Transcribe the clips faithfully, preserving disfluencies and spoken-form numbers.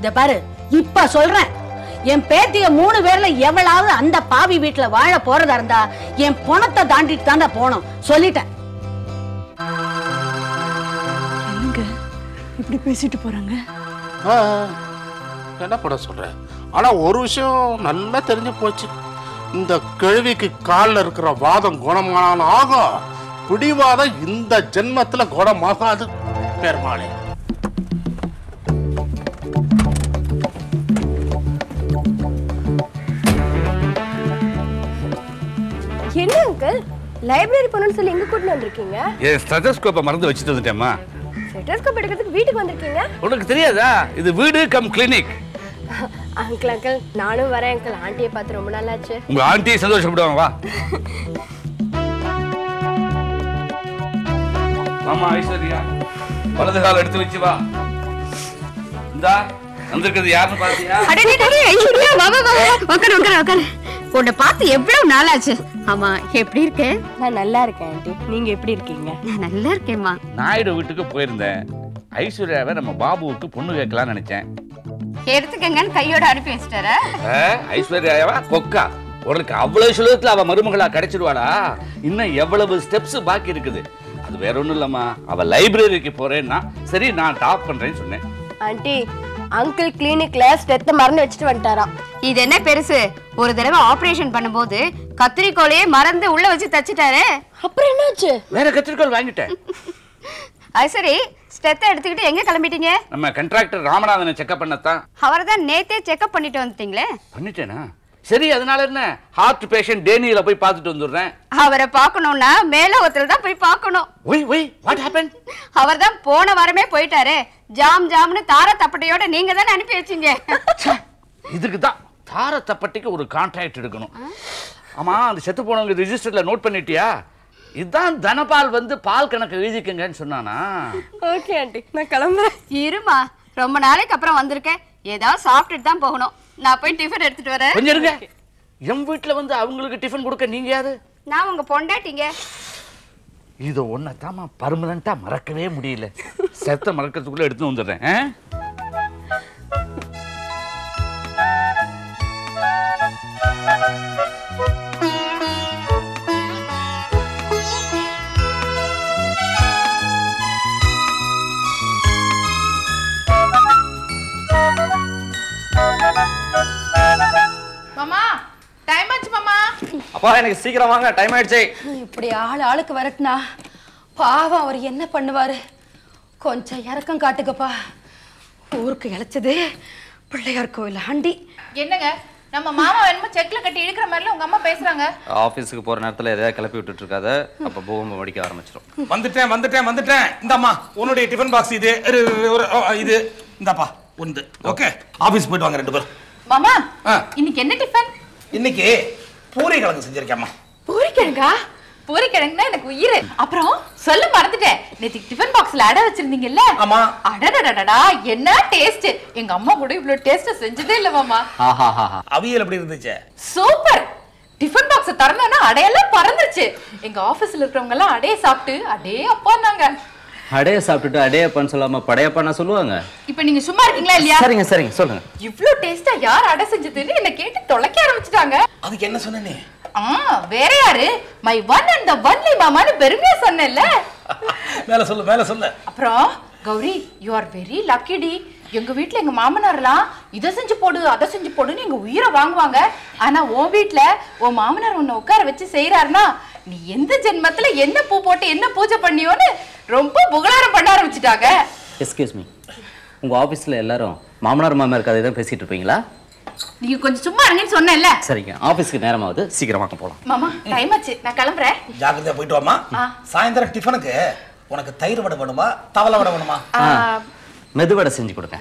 இத பாரு, இப்ப சொல்றேன், என் பேத்திய மூணு பேர்ல எவ்வளவு அந்த பாவி வீட்டுல வாழ போறதா இருந்தா என் பணத்தை தாண்டிட்டு தாண்டா போனோம். சொல்லிட்டேன். என்னங்க இப்படி பேசிட்டு போறாங்க? என்ன பண்ண சொல்றேன்? ஆனா ஒரு விஷயம் நல்லா தெரிஞ்சு போச்சு. இந்த கேள்விக்கு காலில் இருக்கிற வாதம் குணமான ஆகும், பிடிவாதம் இந்த ஜென்மத்துல குணமாகாது. பெருமாளே, என்ன அங்கிள் லைப்ரரி போகணும்னு சொல்லி எங்க கூட்டிட்டு வந்திருக்கீங்க? ஏன் ஸ்டெத்தோஸ்கோப்பை மறந்து வச்சுட்டு வந்துட்டேம்மா. ஸ்டெத்தோஸ்கோப் எடுக்கிறதுக்கு வீட்டுக்கு வந்திருக்கீங்க? உனக்கு தெரியாதா? இது வீடு கம் கிளினிக். அங்கிள் அங்கிள் நானும் வரேன் அங்கிள். ஆண்டியை பார்த்து ரொம்ப நாள் ஆச்சு. உங்க ஆண்டியை சந்தோஷப்படுவாங்க. வா மாமா. ஐஸ்வர்யா, வலது கால் எடுத்து வச்சு வா. இந்தா வந்திருக்கிறது யாருன்னு பாத்தியா? ஐஸ்வர்யா, வா வா வா, உட்காரு உட்காரு உட்காரு. உன்னை பார்த்து எவ்வளவு நாள் ஆச்சு. ஆமா, எப்படி இருக்க? நான் நல்லா இருக்கேன் ஆண்டி. நீங்க எப்படி இருக்கீங்க? நான் நல்லா இருக்கேம்மா. நாயுடு வீட்டுக்கு போயிருந்தேன். ஐஸ்வர்யாவை நம்ம பாபுவுக்கு பொண்ணு கேட்கலாம்னு நினைச்சேன். எடுத்துக்கங்கன்னு கையோட அனுப்பி வச்சிட்டாரா? ஐஸ்வர்யாவா கொக்கா, உனக்கு அவ்வளவு சுலபத்துல அவ மருமகளா கிடைச்சிடுவாளா? இன்னும் எவ்வளவு ஸ்டெப்ஸ் பாக்கி இருக்குது. அது வேற ஒண்ணும் இல்லம்மா, அவ லைப்ரரிக்கு போறேன்னா சரி நான் டாப் பண்றேன்னு சொன்னேன். ஆண்டி, அங்கிள் கிளினிக்ல ஸ்டெத்த மறந்து வச்சுட்டு வந்துட்டாராம். இது என்ன பெருசு? ஒரு தடவை ஆபரேஷன் பண்ணும்போது கத்திரிக்கோலையே மறந்து உள்ள வச்சு தச்சிட்டாரு. அப்புறம் என்னாச்சு? வேற கத்திரிக்கோல் வாங்கிட்டேன். அது சரி, ஸ்டெத்தை எடுத்துக்கிட்டு எங்க கிளம்பிட்டீங்க? நம்ம கான்ட்ராக்டர் ராமநாதனை செக்அப் பண்ணத்தான். அவரை தான் நேத்தே செக்அப் பண்ணிட்டு வந்துட்டீங்களே. பண்ணிட்டேனா? சரி, அதனால என்ன, ஹார்ட் பேஷண்ட் டேனியில போய் பார்த்துட்டு வந்துடுறேன். அவரை பார்க்கணும்னா மேலோகத்துல தான் போய் பார்க்கணும். Why why, what happen? அவர் தான் போன வாரமே போயிட்டாரு. ஜாம் ஜாம்னு தார தப்பட்டையோட நீங்க தானே அனுப்பி வச்சீங்க. இதுக்கு தான் தார தப்பட்டைக்கு ஒரு கான்ட்ராக்ட் எடுக்கணும். ஆமா, அந்த செத்து போனவங்க ரிஜிஸ்டர்ல நோட் பண்ணிட்டியா? இதுதான் தனபால் வந்து பால் கணக்கு எழுதிக்கங்கன்னு சொன்னானா? ஓகே ஆண்டி, நான் கிளம்புறேன். இருமா, ரொம்ப நாளைக்கு அப்புறம் வந்திருக்கேன். ஏதாவது சாப்பிட்டுட்டு தான் போகணும். நான் போய் டிஃபன் எடுத்துட்டு வரேன். கொஞ்சம் இருங்க. என் வீட்டுல வந்து அவங்களுக்கு டிஃபன் கொடுக்க நீங்க யாரு? நான் உங்க பொண்டாட்டிங்க. இது ஒன்னதாமா பர்மனண்டா மறக்கவே முடியல. செத்த மறக்கிறதுக்குள்ள எடுத்து வந்துடுறேன். மாமா, டைம் ஆச்சு மாமா. அப்பா, எனக்கு சீக்கிரம் வாங்க, டைம் ஆயிடுச்சு. இப்படி ஆள் ஆளுக்கு வரட்டுனா பாவம் அவர் என்ன பண்ணுவாரு? கொஞ்சம் இறக்கம் காட்டுக்கப்பா. ஊருக்கு இழைச்சது பிள்ளையார் கோயில் ஆண்டி. என்னங்க, நம்ம மாமா என்னமோ செக்ல கட்டி இழுக்கிற மாதிரில உங்க அம்மா பேசுறாங்க. ஆபீஸ்க்கு போற நேரத்துல எதையா கிளப்பி விட்டுட்டு இருக்காத, அப்ப பூகம்பம் அடிக்க ஆரம்பிச்சிடும். வந்துட்டேன் வந்துட்டேன் வந்துட்டேன். இந்தாம்மா உன்னுடைய டிஃபன் பாக்ஸ் இது. இது இந்தாப்பா உண்டு. ஓகே, ஆபீஸ் போயிட்டு வாங்க ரெண்டு பேரும். மாமா, இன்னைக்கு என்ன டிஃபன்? இன்னைக்கு பூரி கிழங்கு செஞ்சிருக்கேம்மா. பூரி கிழங்கா? பூரி கிழங்குனா எனக்கு உயிர். அப்புறம் சொல்ல மறந்துட்டேன், நேத்து டிஃபன் பாக்ஸ்ல அடை வச்சிருந்தீங்கல்ல? ஆமா. அடடடடடா, என்ன டேஸ்ட்! எங்க அம்மா கூட இவ்வளவு டேஸ்ட் செஞ்சதே இல்ல மாமா. அவியல் எப்படி இருந்துச்சு? சூப்பர். டிஃபன் பாக்ஸ் திறந்தோன்னா அடையெல்லாம் பறந்துச்சு. எங்க ஆபீஸ்ல இருக்கிறவங்க எல்லாம் அடையை சாப்பிட்டு அடே அப்பான்னாங்க. அடைய சாப்பிட்டுட்டு அடையப்பான்னு சொல்லாம படையப்பான்னு சொல்லுவாங்க. இப்ப நீங்க சும்மா இருக்கீங்களா இல்லையா? சரிங்க சரிங்க சொல்லுங்க. இவ்ளோ டேஸ்டா யார் அடை செஞ்சதுன்னு என்ன கேட்டு தொலைக்க ஆரம்பிச்சிட்டாங்க. அதுக்கு என்ன சொன்னே? ஆ, வேற யாரு? My one and the only மாமான்னு பெருமையா சொன்னேன்ல. மேல சொல்லு மேல சொல்லு. அப்புறம் Gowri, you are very lucky டி. எங்க வீட்ல எங்க மாமனார்லாம் இதை செஞ்சு போடு அதை செஞ்சு போடுன்னு எங்க உயிரை வாங்குவாங்க. ஆனா உன் வீட்ல உன் மாமனார் உன்னை உட்கார வச்சு செய்யறாருன்னா நீ எந்த ஜென்மத்துல என்ன பூ போட்டு என்ன பூஜை பண்ணியோன்னு ரொம்ப புகழாரம் பண்ண ஆரம்பிச்சுட்டாங்க. எஸ்கியூஸ் மீ, உங்க ஆபீஸ்ல எல்லாரும் மாமனார் மாமியார் கதை தான் பேசிட்டு இருப்பீங்களா? நீங்க கொஞ்சம் சும்மா இருங்கன்னு சொன்னேன்ல. சரிங்க, ஆபீஸ்க்கு நேரமாவது, சீக்கிரமா போலாம். மாமா, டைம் ஆச்சு, நான் கிளம்புறேன். ஜாக்கிரதையா போயிட்டு வாமா. சாயந்தரம் டிஃபனுக்கு உனக்கு தயிர் வடை வேணுமா தவளை வடை வேணுமா? மெதுவடை செஞ்சு கொடுங்க.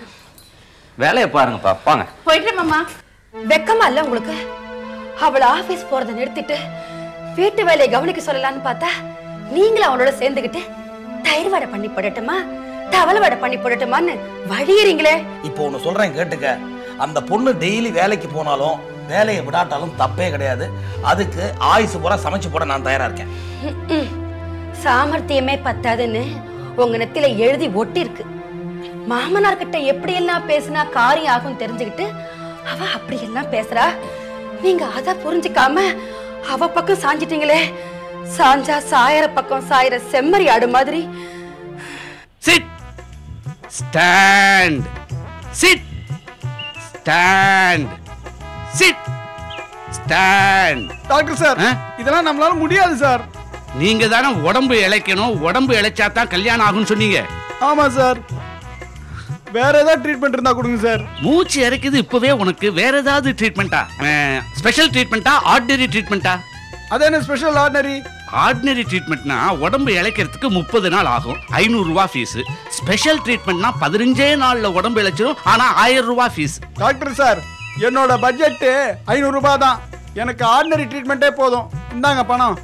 வேலையை பாருங்கப்பா, வாங்க. போயிட்டு மாமா. வெக்கமா இல்ல உங்களுக்கு? அவளை ஆபீஸ் போறதை நிறுத்திட்டு வீட்டு வேலையை கவனிக்க சொல்லலான்னு பார்த்தா நீங்களும் அவளோட சேர்ந்துகிட்டு தயிர் வடை பண்ணி போடட்டுமா தவளை வடை பண்ணி போடட்டுமான்னு வழியறீங்களே. இப்போ ஒன்னு சொல்றேன் கேட்டுக்க. அந்த பொண்ணு டெய்லி வேலைக்கு போனாலும் வேலையை விடாட்டாலும் தப்பே கிடையாது. அதுக்கு ஆயுசு பூரா சமைச்சு போட நான் தயாரா இருக்கேன். சாமர்த்தியமே பத்தாதுன்னு உங்க நெத்தில எழுதி ஒட்டி இருக்கு. மாமனார் கிட்ட எப்படி எல்லாம் பேசினா காரியம் ஆகும் தெரிஞ்சுக்கிட்டு அவ அப்படி எல்லாம் பேசுறா. நீங்க அத புரிஞ்சுக்காம அவ பக்கம் சாஞ்சிட்டீங்களே. சாஞ்சா சாயற பக்கம் சாயற செம்மறி ஆடு மாதிரி. Sit stand sit stand sit stand. Doctor sir, இதெல்லாம் நம்மளால முடியாது சார். நீங்க தானே உடம்பு இளைக்கணும், உடம்பு இளைச்சா தான் கல்யாணம் ஆகும்னு சொன்னீங்க. ஆமா சார். வேற ஏதாவது ட்ரீட்மெண்ட் இருந்தா கொடுங்க சார். மூச்சு இறக்குது இப்பவே உனக்கு. வேற ஏதாவது ட்ரீட்மெண்டா? Special ட்ரீட்மெண்டா ordinary ட்ரீட்மெண்டா? அது என்ன ஸ்பெஷல் ஆர்டினரி? ஆர்டினரி ட்ரீட்மெண்ட்னா உடம்பு இளைக்கிறதுக்கு முப்பது நாள் ஆகும், ஐநூறு ரூபாய் ஃபீஸ். ஸ்பெஷல் ட்ரீட்மெண்ட்னா பதினஞ்சே நாள்ல உடம்பு இளைச்சிரும், ஆனா ஆயிரம் ரூபாய் ஃபீஸ். டாக்டர் சார், என்னோட பட்ஜெட் ஐநூறு ரூபாய் தான். எனக்கு ஆர்டினரி ட்ரீட்மெண்ட்டே போதும். இந்தாங்க பணம்.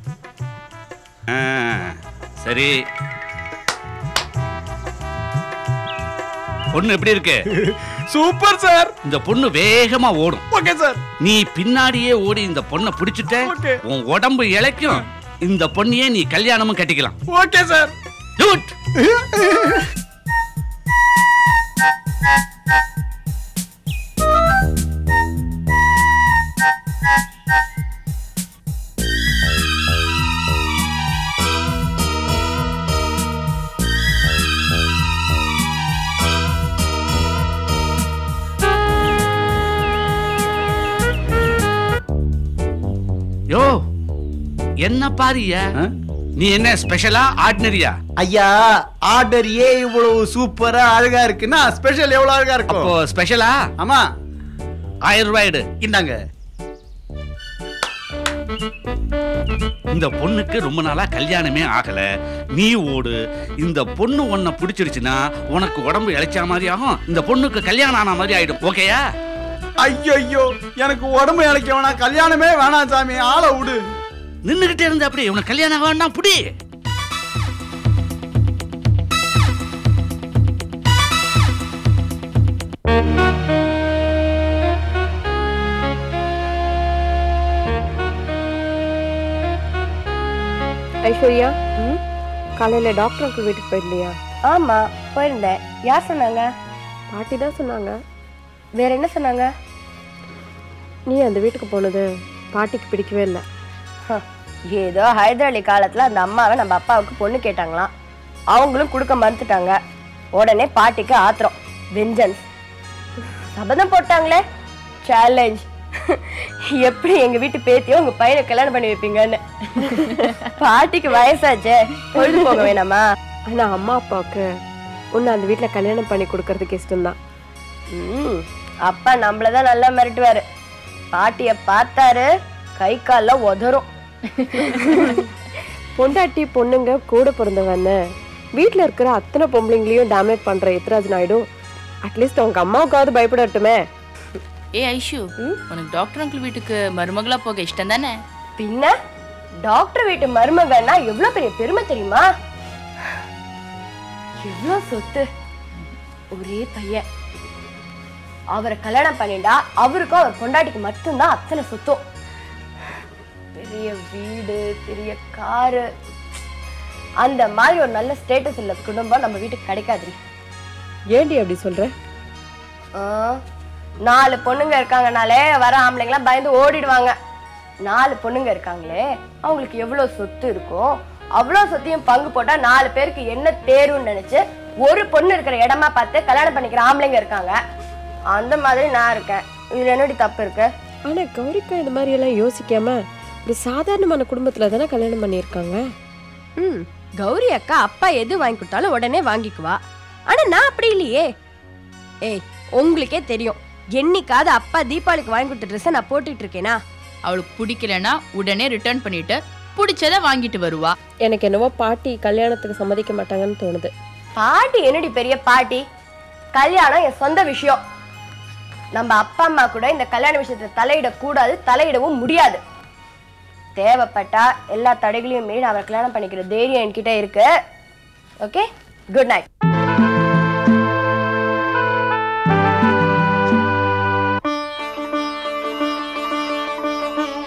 சரி, பொண்ணு எப்படி இருக்கு? Super sir. இந்த பொண்ணு வேகமா ஓடும். Okay sir. நீ பின்னாடியே ஓடி இந்த பொண்ணை பிடிச்சிட்ட, உன் உடம்பு இளைக்கும். இந்த பொண்ணையே நீ கல்யாணமும் கட்டிக்கலாம். Okay sir. குட். யோ, என்ன பாரியா? நீ என்ன ஸ்பெஷலா ஆர்டினரியா? ஐயா, ஆர்டரியே இவ்வளவு சூப்பரா அழகா இருக்குன்னா ஸ்பெஷல் எவ்வளவு அழகா இருக்கும். அப்போ ஸ்பெஷலா? ஆமா. ஆயிரம் ரூபாய் எடு. இந்தாங்க. இந்த பொண்ணுக்கு ரொம்ப நாளா கல்யாணமே ஆகல. நீ ஓடு. இந்த பொண்ணு உன்னை பிடிச்சிருச்சுன்னா உனக்கு உடம்பு இளைச்ச மாதிரி ஆகும், இந்த பொண்ணுக்கு கல்யாணம் ஆன மாதிரி ஆயிடும். ஓகேயா? ஐயோ, எனக்கு உடம்பு இளைக்க வேணாம், கல்யாணமே வேணாம் சாமி, ஆளை விடு. நின்னுகிட்டே இருந்த அப்படி உனக்கு கல்யாணம் வேண்டாம், புடி. ஐஸ்வர்யா, காலையில டாக்டர் அங்கிள் வீட்டுக்கு போயிருந்தியா? ஆமா, போயிருந்தேன். யார் சொன்னாங்க? பாட்டி தான் சொன்னாங்க. வேற என்ன சொன்னாங்க? நீ அந்த வீட்டுக்கு போனது பாட்டிக்கு பிடிக்கவே இல்லை. ஏதோ ஹைதர் அலி காலத்துல அந்த அம்மாவை நம்ம அப்பாவுக்கு பொண்ணு கேட்டாங்களாம், அவங்களும் கொடுக்க மறுத்துட்டாங்க. உடனே பாட்டிக்கு ஆத்திரம், வெஞ்சன்ஸ். சபதம் போட்டாங்களே, சேலஞ்ச். எப்படி எங்க வீட்டு பேத்தியோ உங்க பையனை கல்யாணம் பண்ணி வைப்பீங்கன்னு. பாட்டிக்கு வயசாச்சே, பொழுது போக வேணாமா? ஆனா அம்மா அப்பாவுக்கு உன்னை அந்த வீட்டுல கல்யாணம் பண்ணி கொடுக்கறதுக்கு இஷ்டம்தான். ம், அப்பா நம்மளதான் நல்லா மிரட்டுவாரு. பாட்டிய பார்த்தாரு கை கால உதறும். பொண்டாட்டி பொண்ணுங்க கூட பிறந்தவன்னு வீட்டுல இருக்கிற அத்தனை பொம்பளைங்களையும் டாமினேட் பண்ற எத்ராஜ் நாயுடு அட்லீஸ்ட் அவங்க அம்மாவுக்காவது பயப்படட்டுமே. ஏ ஐஷு, உனக்கு டாக்டர் அங்கிள் வீட்டுக்கு மருமகளா போக இஷ்டம் தானே? பின்ன டாக்டர் வீட்டு மருமகன்னா எவ்வளவு பெரிய பெருமை தெரியுமா? எவ்வளவு சொத்து, ஒரே பையன். அவரை கல்யாணம் பண்ணிட்டா அவருக்கும் அவர் பொண்டாட்டிக்கு மட்டும்தான் அத்தனை சொத்தும். பெரிய வீடு, பெரிய காரு, அந்த மாதிரி ஒரு நல்ல ஸ்டேட்டஸ் உள்ள குடும்பம் நம்ம வீட்டுக்கு கிடைக்காது. ஏண்டி அப்படி சொல்ற? நாலு பொண்ணுங்க இருக்காங்கனாலே வர ஆம்பளைங்களாம் பயந்து ஓடிடுவாங்க. நாலு பொண்ணுங்க இருக்காங்களே, அவங்களுக்கு எவ்வளவு சொத்து இருக்கும், அவ்வளவு சொத்தையும் பங்கு போட்டா நாலு பேருக்கு என்ன தேருன்னு நினைச்சு ஒரு பொண்ணு இருக்கிற இடமா பார்த்து கல்யாணம் பண்ணிக்கிற ஆம்பளைங்க இருக்காங்க. அந்த மாதிரி நான் இருக்கேன். இதுல என்னடி தப்பு இருக்கு? ஆனா கௌரிக்கா இந்த மாதிரி எல்லாம் யோசிக்காம ஒரு சாதாரணமான குடும்பத்துல தானே கல்யாணம் பண்ணியிருக்காங்க. ம், கௌரி அக்கா அப்பா எது வாங்கி கொடுத்தாலும் உடனே வாங்கிக்குவா. ஆனா நான் அப்படி இல்லையே. ஏய், உங்களுக்கே தெரியும், என்னைக்காவது அப்பா தீபாவளிக்கு வாங்கி கொடுத்த ட்ரெஸ்ஸை நான் போட்டுட்டு இருக்கேனா? அவளுக்கு பிடிக்கலன்னா உடனே ரிட்டர்ன் பண்ணிட்டு பிடிச்சத வாங்கிட்டு வருவா. எனக்கு என்னவோ பாட்டி கல்யாணத்துக்கு சம்மதிக்க மாட்டாங்கன்னு தோணுது. பாட்டி என்னடி பெரிய பாட்டி? கல்யாணம் என் சொந்த விஷயம். நம்ம அப்பா அம்மா கூட இந்த கல்யாண விஷயத்துல தலையிடக்கூடாது, தலையிடவும் முடியாது. தேவைப்பட்டா எல்லா தடைகளையும் மீறி அவரை கல்யாணம் பண்ணிக்கிற தைரியம் என்கிட்ட இருக்கு. Okay, good night.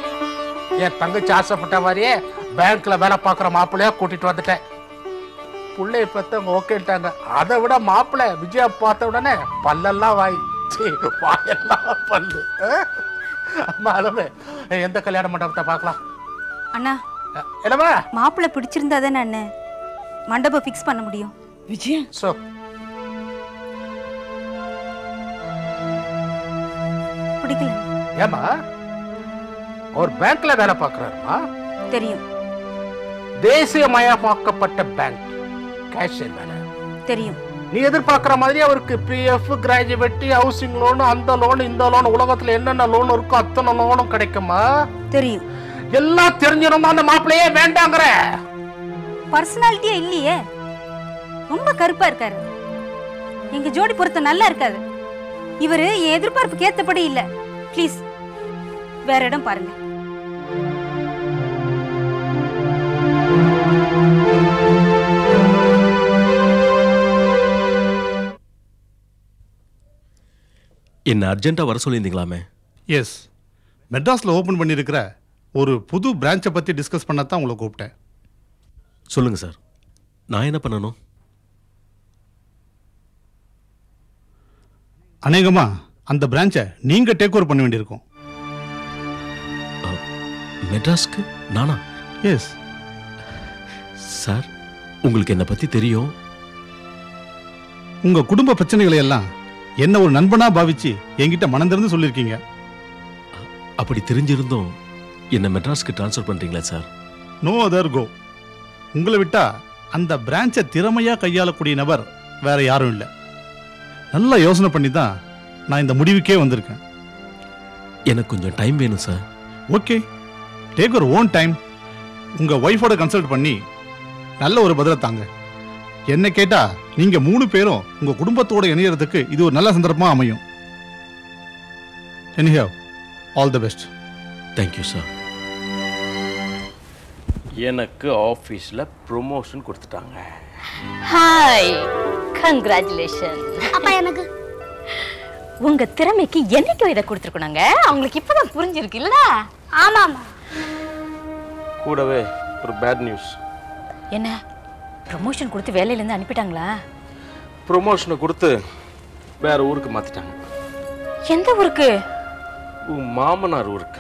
என் தங்கச்சி ஆசைப்பட்ட மாதிரியே பேங்க்ல வேலை பார்க்குற மாப்பிள்ளையா கூட்டிட்டு வந்துட்டேன். புள்ளைய பெத்தவங்க ஓகேட்டாங்க. அதை விட மாப்பிள்ளை விஜயா பார்த்த உடனே பல்லெல்லாம் வாய், வாயெல்லாம் பல்லு. அம்மா அளவு எந்த கல்யாண மண்டபத்தை பார்க்கலாம்? அண்ணா என்னம்மா மாப்பிள்ளை பிடிச்சிருந்தா தானே அண்ணன் மண்டபம் ஃபிக்ஸ் பண்ண முடியும். விஜயா சோ பிடிக்கல. ஏமா ஒரு பேங்க்ல வேலை பார்க்கறாருமா? தெரியும். தேசியமயமாக்கப்பட்ட பேங்க் கேஷியர் வேலை தெரியும். நீ எதிர்பார்க்கிற மாதிரி அவருக்கு பிஎஃப், கிராஜுவேட்டி, ஹவுசிங் லோன், அந்த லோன், இந்த லோன், உலகத்துல என்னென்ன லோன் இருக்கோ அத்தனை லோனும் கிடைக்குமா? தெரியும். எல்லாம் தெரிஞ்சிருந்தா அந்த மாப்பிள்ளையே வேண்டாங்கற. பர்சனாலிட்டியே இல்லையே, ரொம்ப கருப்பா இருக்காரு. எங்க ஜோடி பொருத்தம் நல்லா இருக்காது. இவரு எதிர்பார்ப்புக்கு ஏத்தபடி இல்ல. ப்ளீஸ் வேற இடம் பாருங்க. என்ன அர்ஜென்ட்டா வர சொல்லியிருந்தீங்களாமே? எஸ், மெட்ராஸில் ஓப்பன் பண்ணியிருக்கிற ஒரு புது பிரான்ச்சை பற்றி டிஸ்கஸ் பண்ண தான் உங்களை கூப்பிட்டேன். சொல்லுங்கள் சார், நான் என்ன பண்ணணும்? அநேகமாக அந்த பிரான்ச்சை நீங்கள் டேக் ஓவர் பண்ண வேண்டியிருக்கும். மெட்ராஸ்க்கு நானா? எஸ் சார், உங்களுக்கு என்னை பற்றி தெரியும். உங்கள் குடும்ப பிரச்சனைகளை எல்லாம் என்ன ஒரு நண்பனா பாவிச்சு என்கிட்ட மனந்திறந்து சொல்லியிருக்கீங்க. அப்படி தெரிஞ்சிருந்தோம் என்ன மெட்ராஸ்க்கு ட்ரான்ஸ்ஃபர் பண்றீங்களா சார்? No other go. உங்களை விட்டா அந்த பிரான்ச்சை திறமையா கையாளக்கூடிய நபர் வேற யாரும் இல்லை. நல்லா யோசனை பண்ணி தான் நான் இந்த முடிவுக்கே வந்திருக்கேன். எனக்கு கொஞ்சம் டைம் வேணும் sir. Okay, take your own time. உங்க ஒய்ஃபோட கன்சல்ட் பண்ணி நல்ல ஒரு பதிலை தாங்க. என்ன கேட்டா நீங்க மூணு பேரும் உங்க குடும்பத்தோட இணையறதுக்கு இது ஒரு நல்ல சந்தர்ப்பமா அமையும். Anyhow, all the best. Thank you sir. எனக்கு ஆஃபீஸில் ப்ரொமோஷன் கொடுத்துட்டாங்க. Hi, congratulation. அப்பா எனக்கு உங்க திறமைக்கு என்னைக்கும் இதை கொடுத்துருக்கணுங்க. அவங்களுக்கு இப்பதான் புரிஞ்சிருக்கு இல்ல? ஆமாமா. கூடவே ஒரு பேட் நியூஸ். என்ன? ப்ரொமோஷன் கொடுத்து வேலையில இருந்து அனுப்பிட்டாங்களா? ப்ரொமோஷனை கொடுத்து வேற ஊருக்கு மாத்திட்டாங்க. எந்த ஊருக்கு? உன் மாமனார் ஊருக்கு.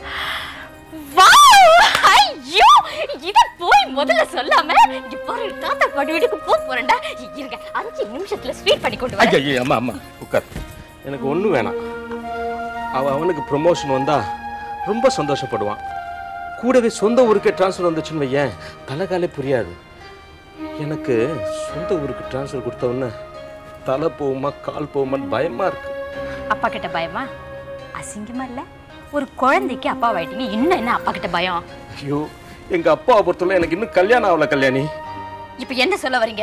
ஐயோ, இத போய் முதல்ல சொல்லாம இங்க பாரு, தாத்தா பாடி வீட்டுக்கு போக போறேன்டா. இருங்க, அஞ்சு நிமிஷத்துல ஸ்வீட் பண்ணி கொண்டு வரேன். ஐயா, அம்மா அம்மா உட்கார். எனக்கு ஒன்றும் வேணாம். அவ அவனுக்கு ப்ரொமோஷன் வந்தா ரொம்ப சந்தோஷப்படுவான். கூடவே சொந்த ஊருக்கே ட்ரான்ஸ்ஃபர் வந்துச்சுன்னு வையேன், தலைகாலே புரியாது. எனக்கு சொந்த ஊருக்கு ட்ரான்ஸ்ஃபர் கொடுத்தவொன்னே தலை போகுமா கால் போகுமான்னு பயமா இருக்கு. அப்பா கிட்ட பயமா? அசிங்கமா இல்ல? ஒரு குழந்தைக்கு அப்பா ஆயிட்டீங்க, இன்னும் என்ன அப்பா கிட்ட பயம்? ஐயோ, எங்க அப்பாவை பொறுத்தவரை எனக்கு இன்னும் கல்யாணம் ஆகல. கல்யாணி, இப்ப என்ன சொல்ல வரீங்க?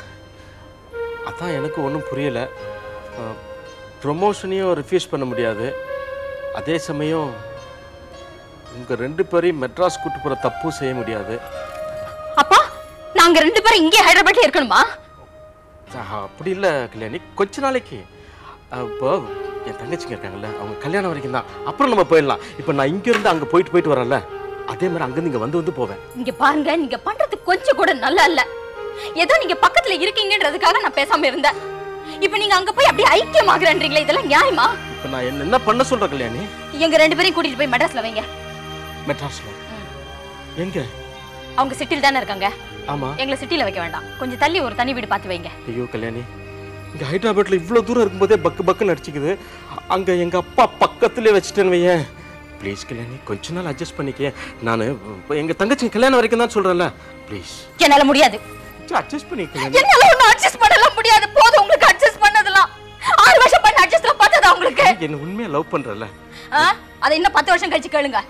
அதான் எனக்கு ஒன்றும் புரியல. ப்ரொமோஷனையும் ரிஃப்யூஸ் பண்ண முடியாது, அதே சமயம் உங்க ரெண்டு பேரையும் மெட்ராஸ் கூட்டு போற தப்பும் செய்ய முடியாது. அப்பா, நாங்க ரெண்டு பேரும் இங்கே ஹைதராபாத்ல இருக்கணுமா? அப்படி இல்ல கல்யாணி, கொஞ்ச நாளைக்கு. இப்போ என் தங்கச்சிங்க இருக்காங்கல்ல, அவங்க கல்யாணம் வரைக்கும் தான், அப்புறம் நம்ம போயிடலாம். இப்போ நான் இங்க இருந்து அங்க போயிட்டு போயிட்டு வரல, அதே மாதிரி அங்க இருந்து இங்க வந்து வந்து போவேன். இங்க பாருங்க, நீங்க பண்றது கொஞ்சம் கூட நல்லா இல்ல. ஏதோ நீங்க பக்கத்துல இருக்கீங்கன்றதுக்காக நான் பேசாம இருந்தேன். இப்போ நீங்க அங்க போய் அப்படியே ஐக்கியமாகறன்றீங்களே, இதெல்லாம் நியாயமா? இப்போ நான் என்ன என்ன பண்ண சொல்றேன் கல்யாணி? எங்க ரெண்டு பேரையும் கூட்டிட்டு போய் மெட்ராஸ்ல வைங்க. மெட்ராஸ்ல எங்க? அவங்க சிட்டில தானே இருக்காங்க. ஆமா. எங்களை சிட்டில வைக்க வேண்டாம், கொஞ்சம் தள்ளி ஒரு தனி வீடு பார்த்து வைங்க. ஐயோ கல்யாணி, இங்க ஹைதராபாத்ல இவ்வளவு தூரம் இருக்கும்போதே பக்கு பக்குன்னு அடிச்சுக்குது. அங்க எங்க அப்பா பக்கத்துலயே வச்சுட்டேன்னு வையேன். ப்ளீஸ் கல்யாணி, கொஞ்ச நாள் அட்ஜஸ்ட் பண்ணிக்க. நான் எங்க தங்கச்சி கல்யாணம் வரைக்கும் தான் சொல்றேன்ல, ப்ளீஸ். என்னால முடியாது. அட்ஜஸ்ட் பண்ணிக்க. என்னால ஒண்ணு அட்ஜஸ்ட் பண்ணலாம் முடியாது. போதும் உங்களுக்கு அட்ஜஸ்ட் பண்ணதெல்லாம். ஆறு வருஷம் பண்ண அட்ஜஸ்ட்லாம் பார்த்ததா உங்களுக்கு? என்ன உண்மையா லவ் பண்றல? அத இன்னும் பத்து வருஷம் கழிச்சு கேளுங்க.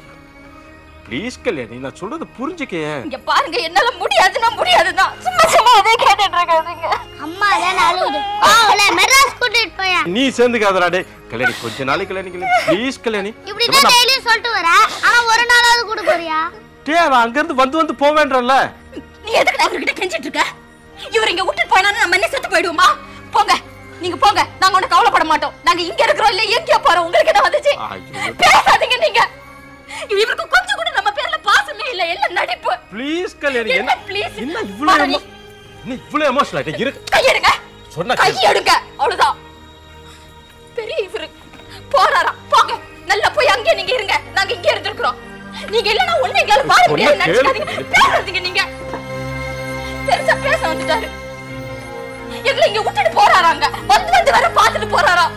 ப்ளீஸ் கல்யாணி, நான் சொல்றது புரிஞ்சுக்க. இங்க பாருங்க, என்னால முடியாதுன்னா முடியாதுதான். சும்மா சும்மா அதே கேட்டுட்டு இருக்காதீங்க. அம்மா தான் அழுவுது. அவளை மெட்ராஸ் கூட்டிட்டு போயா. நீ சேர்ந்துக்காதடா டேய். கல்யாணி, கொஞ்ச நாளைக்கு கல்யாணி ப்ளீஸ் கல்யாணி. இப்படி தான் டெய்லி சொல்லிட்டு வர, ஆனா ஒரு நாளாவது கூட போறியா? டேய், அவ அங்க இருந்து வந்து வந்து போவேன்றல்ல. நீ எதுக்கு அவர்கிட்ட கெஞ்சிட்டு இருக்க? இவர் இங்க விட்டுட்டு போனானே நம்ம என்ன செத்து போய்டுவோமா? போங்க, நீங்க போங்க. நாங்க ஒண்ணு கவலைப்பட மாட்டோம். நாங்க இங்க இருக்கிறோம் இல்ல எங்க போறோம், உங்களுக்கு என்ன வந்துச்சு? பேசாதீங்க நீங்க. இவருக்கு கொஞ்சம் கூட நம்ம பேர்ல பாசமே இல்ல, எல்லாம் நடிப்பு. ப்ளீஸ் கல்யாணி, என்ன ப்ளீஸ்? என்ன இவ்வளவு? நீ இவ்வளவு எமோஷனல் ஆயிட்ட இருக்கு. கையெடுங்க. சொன்னா கையெடுங்க. அவ்வளவுதான். பெரிய இவரு போறாரா? போங்க. நல்லா போய் அங்கே நீங்க இருங்க. நாங்க இங்கே இருந்திருக்கிறோம். நீங்க இல்லனா ஒண்ணே எங்களால வாழ முடியாது நினைச்சாதீங்க. பேசாதீங்க நீங்க. பெருசா பேச வந்துட்டாரு. எங்களை இங்க விட்டுட்டு போறாராங்க. வந்து வந்து வர பார்த்துட்டு போறாரா?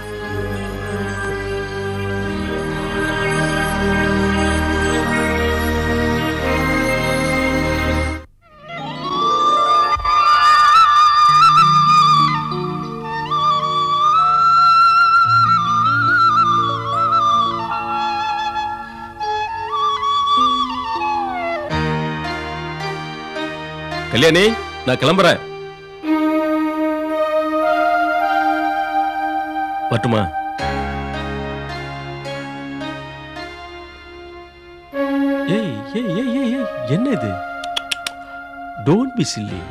கல்யாணி, நான் கிளம்புறேன். வரட்டுமா? ஏய் ஏய் ஏய் ஏய் ஏய், என்ன இது? Don't be silly.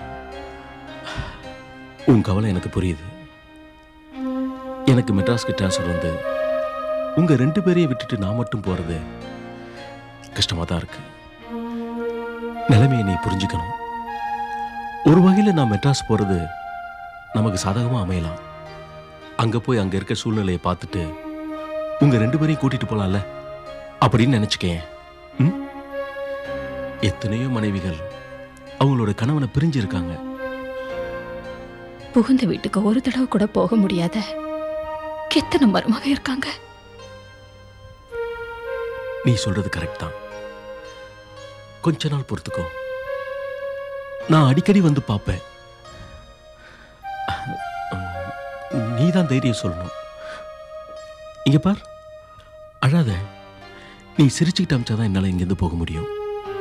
உன் கவலை எனக்கு புரியுது. எனக்கு மெட்ராஸ்க்கு ட்ரான்ஸ்ஃபர் வந்து உங்க ரெண்டு பேரையும் விட்டுட்டு நான் மட்டும் போறது கஷ்டமா தான் இருக்கு. நிலைமையை நீ புரிஞ்சுக்கணும். ஒரு வகையில் நான் மெட்ராஸ் போறது நமக்கு சாதகமா அமையலாம். அங்க போய் அங்க இருக்க சூழ்நிலையை பார்த்துட்டு உங்க ரெண்டு பேரையும் கூட்டிட்டு போலாம்ல அப்படின்னு நினைச்சுக்கேன். எத்தனையோ மனைவிகள் அவங்களோட கணவனை பிரிஞ்சு இருக்காங்க. புகுந்த வீட்டுக்கு ஒரு தடவை கூட போக முடியாத எத்தனை மருமக இருக்காங்க. நீ சொல்றது கரெக்ட் தான். கொஞ்ச நாள் பொறுத்துக்கோ. நான் அடிக்கடி வந்து பார்ப்பேன். நீ தான் தைரியம் சொல்லணும். இங்க பார், அழாத. நீ சிரிச்சுக்கிட்டு அமிச்சாதான் என்னால இங்கிருந்து போக முடியும்.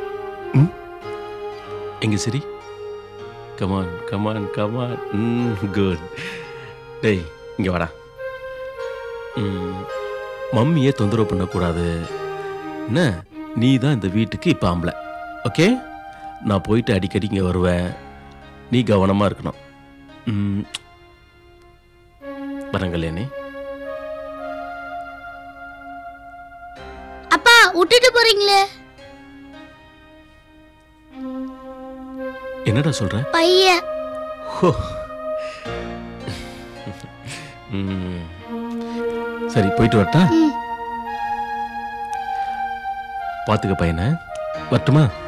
எங்க சரி? Come on come on come on. குட். டேய் இங்க வாடா. மம்மியே தொந்தரவு பண்ணக்கூடாது. என்ன, நீ தான் இந்த வீட்டுக்கு இப்ப ஆம்பளை. ஓகே, நான் போயிட்டு அடிக்கடி இங்கே வருவேன். நீ கவனமா இருக்கணும். வரேன் கல்யாணி. அப்பா விட்டுட்டு போறீங்களே? என்னடா சொல்ற? பையன். சரி, போயிட்டு வரட்டா? பாத்துக்க பையனை. வரட்டுமா?